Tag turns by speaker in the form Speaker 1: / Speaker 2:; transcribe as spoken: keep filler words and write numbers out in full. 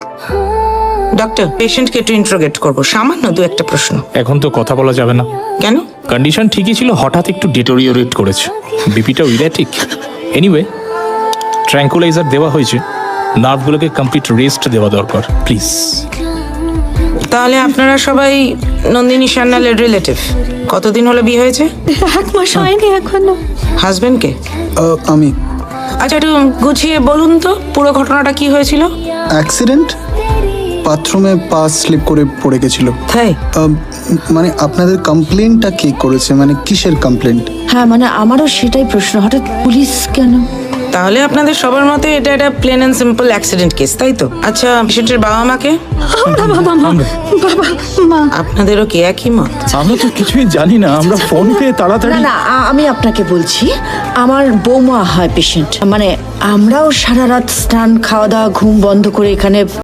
Speaker 1: Doctor, পেশেন্টকে একটু interrogate করবো, সামান্য দু একটা প্রশ্ন।
Speaker 2: এখন তো কথা বলা যাবে না।
Speaker 1: কেন?
Speaker 2: কন্ডিশন ঠিকই ছিল, হঠাৎ একটু ডিটোরিওরেট করেছে। বিপিটা ইলেকট্রিক। এনিওয়ে, ট্র্যাঙ্কুলাইজার দেওয়া হয়েছে, নার্ভগুলোকে কমপ্লিট রেস্ট দেওয়া দরকার, প্লিজ।
Speaker 1: তাহলে আপনারা সবাই নন্দিনী সান্যালের রিলেটিভ। কতদিন হলো বিয়ে হয়েছে?
Speaker 3: এক মাস হয়নি এখনো।
Speaker 1: হাজবেন্ডকে?
Speaker 4: আহ, আমি
Speaker 1: আচ্ছা, একটু গুছিয়ে বলুন তো পুরো ঘটনাটা কি হয়েছিল।
Speaker 4: অ্যাক্সিডেন্ট, বাথরুমে পা স্লিপ করে পড়ে গেছিল।
Speaker 1: তাই?
Speaker 4: আহ, মানে আপনাদের কমপ্লেনটা কে করেছে, মানে কিসের কমপ্লেন্ট?
Speaker 3: হ্যাঁ মানে আমারও সেটাই প্রশ্ন, হঠাৎ পুলিশ কেন?
Speaker 1: তাহলে আপনাদের সবার মতে এটা একটা plain and simple accident case, তাই তো? আচ্ছা, পেশেন্টের বাবা মাকে?
Speaker 3: আমরা বাবা মা, বাবা মা।
Speaker 1: আপনাদেরও কি একই মত?
Speaker 5: আমরা তো কিছুই জানি না, আমরা ফোন পেয়ে
Speaker 3: না
Speaker 5: তাড়াতাড়ি।
Speaker 3: না আ- আমি আপনাকে বলছি, আমার বৌমা হয় পেশেন্ট, মানে আমরাও সারা রাত স্নান খাওয়া দাওয়া ঘুম বন্ধ করে এখানে